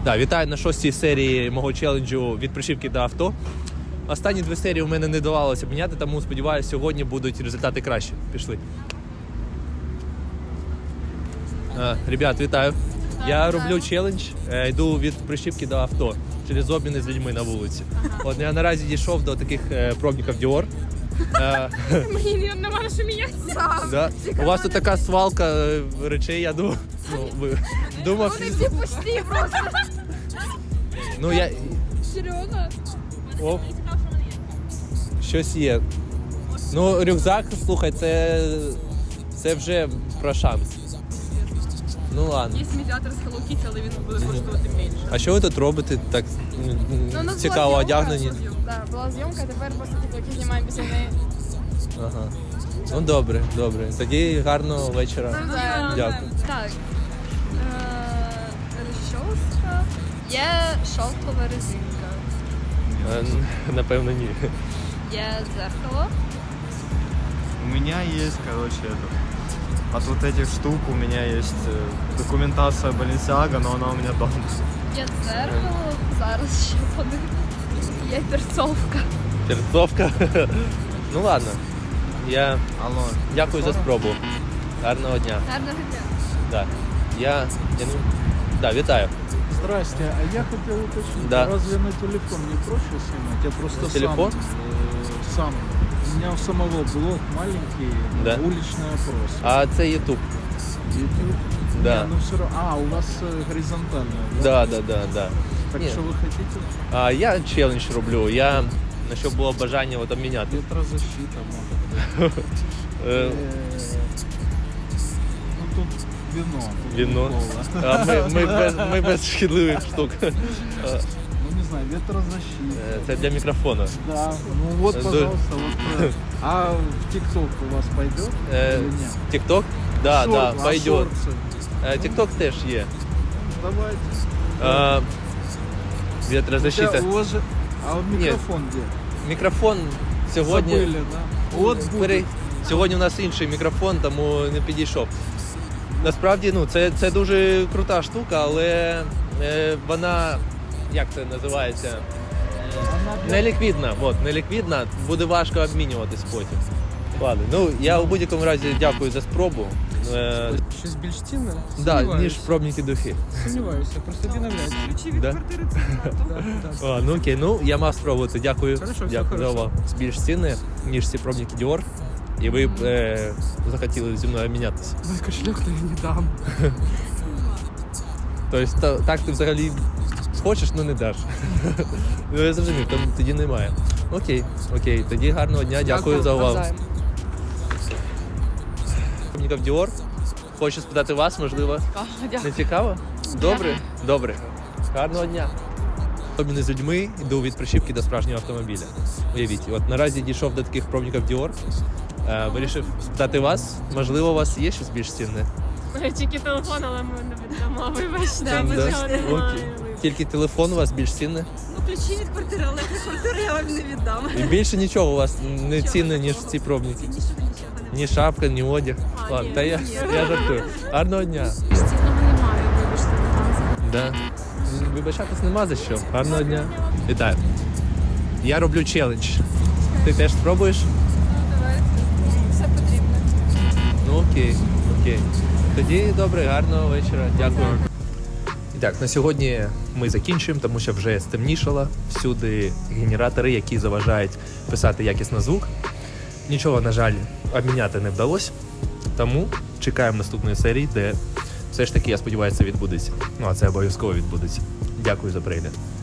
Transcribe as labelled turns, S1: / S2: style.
S1: Да, вітаю на 6-й серії мого челенджу від прищіпки до авто. Останні 2 серії у мене не давалося обміняти, тому сподіваюся, сьогодні будуть результати кращі. Пішли. Ребят, вітаю. Я роблю челендж, йду від прищіпки до авто через обміни з людьми на вулиці. От я наразі дійшов до таких пробників Dior.
S2: Мені нема на що мінятися.
S1: Да. У вас тут така свалка речей, я думав. Думав,
S2: Вони всі пусті просто.
S1: ну я.
S2: Серйозно?
S1: О, щось є. Ну, рюкзак, слухай, це вже про шанс. Ну ладно.
S2: Є медіатор з Hello Kitty, але він буде коштувати менше.
S1: А що ви тут робите? Так цікаво одягнені?
S2: Так, була зйомка, тепер просто тільки знімаємо після неї.
S1: Ага. Ну добре, добре. Тоді гарного вечора. Дякую.
S2: Так. Розчоска. Є шовкова резинка.
S1: Напевно, ні.
S2: Є дзеркало.
S3: У меня есть, от вот этих штук у меня есть документация Balenciaga, но она у меня дома.
S2: Є дзеркало. Зараз ще подивлюсь. Є перцовка.
S1: Терцовка. Ну ладно. Я
S3: Алло.
S1: дякую за спробу. Гарного дня.
S2: Гарного дня.
S1: Да. Да, вітаю.
S4: Здрасте, а я хотел уточнить,
S1: Да.
S4: разве на телефон не проще снимать? Я просто
S1: Телефон?
S4: сам. У меня у самого блог маленький,
S1: Да.
S4: уличный опрос.
S1: А це YouTube.
S4: YouTube?
S1: Да.
S4: Не, ну все равно. У вас горизонтально, да?
S1: Да.
S4: Так
S1: Ні.
S4: что вы хотите?
S1: Я челендж роблю. Я на що було бажання от обміняти.
S4: Ветрозащита, может. Ну тут вино. Тут
S1: Вино.
S4: кола.
S1: А ми без шкідливих штук.
S4: Ну не знаю, ветрозащита.
S1: Це для мікрофону.
S4: Да, ну вот, пожалуйста. Вот. А в ТикТок у вас пойдет или нет?
S1: Тікток? Да,
S4: Шорт, а
S1: пойдет.
S4: шорты?
S1: Тікток теж є.
S4: Давайте.
S1: Вітрозащита.
S4: У вас же... А вот микрофон где?
S1: Мікрофон сьогодні.
S4: Забыли, да? Вот будет.
S1: Сьогодні у нас інший мікрофон, тому не підійшов. Насправді, ну, це дуже крута штука, але вона, як це називається, неліквідна. Неліквідна, буде важко обмінюватись потім. Ладно, ну я у будь-якому разі дякую за спробу.
S5: Щось більш цінне?
S1: Да, ніж пробники духи.
S5: Сумніваюся, просто відновляйся.
S2: Ключі від
S1: Да?
S2: квартири це багато.
S1: Ну окей, ну я мав спробувати. Дякую.
S5: Хорошо, все
S1: Дякую за
S5: хорошо.
S1: увагу. Більш цінне, ніж ці пробники Dior. І ви б захотіли зі мною обмінятися.
S5: Мой кошелек я не дам.
S1: Тобто так ти взагалі хочеш, але не даш. Ну я зрозумів, там тоді немає. Окей, тоді гарного дня, дякую за увагу.
S5: Навзаєм.
S1: Пробників Dior. Хочу спитати вас, можливо. Не цікаво? Добре. Гарного дня. Обміни з людьми, йду від прищіпки до справжнього автомобіля. Уявіть, от наразі дійшов до таких пробників Dior. Вирішив спитати вас, можливо, у вас є щось більш цінне?
S2: Тільки телефон, але ми не віддамо. Вибачте,
S1: Да?
S2: ми цього не
S1: Окей.
S2: маємо.
S1: Тільки телефон у вас більш цінне?
S2: Ну, ключі від квартири, але квартири я вам не віддам.
S1: І більше нічого у вас не цінне, ніж ці пробники? Ні шапка, ні одяг. Ладно, та я жартую. Гарного дня.
S2: Цінного немає, вибачте, будь ласка.
S1: Да. Вибачатись нема за що. Гарного дня. Вітаю. Я роблю челендж. Ти теж спробуєш?
S2: Давайте. Все потрібно.
S1: Ну окей. Тоді добре, гарного вечора. Дякую. І так, на сьогодні ми закінчуємо, тому що вже стемнішало. Всюди генератори, які заважають писати якісно звук. Нічого, на жаль, обміняти не вдалося. Тому чекаємо наступної серії, де все ж таки, я сподіваюся, це відбудеться. Ну, а це обов'язково відбудеться. Дякую за перегляд.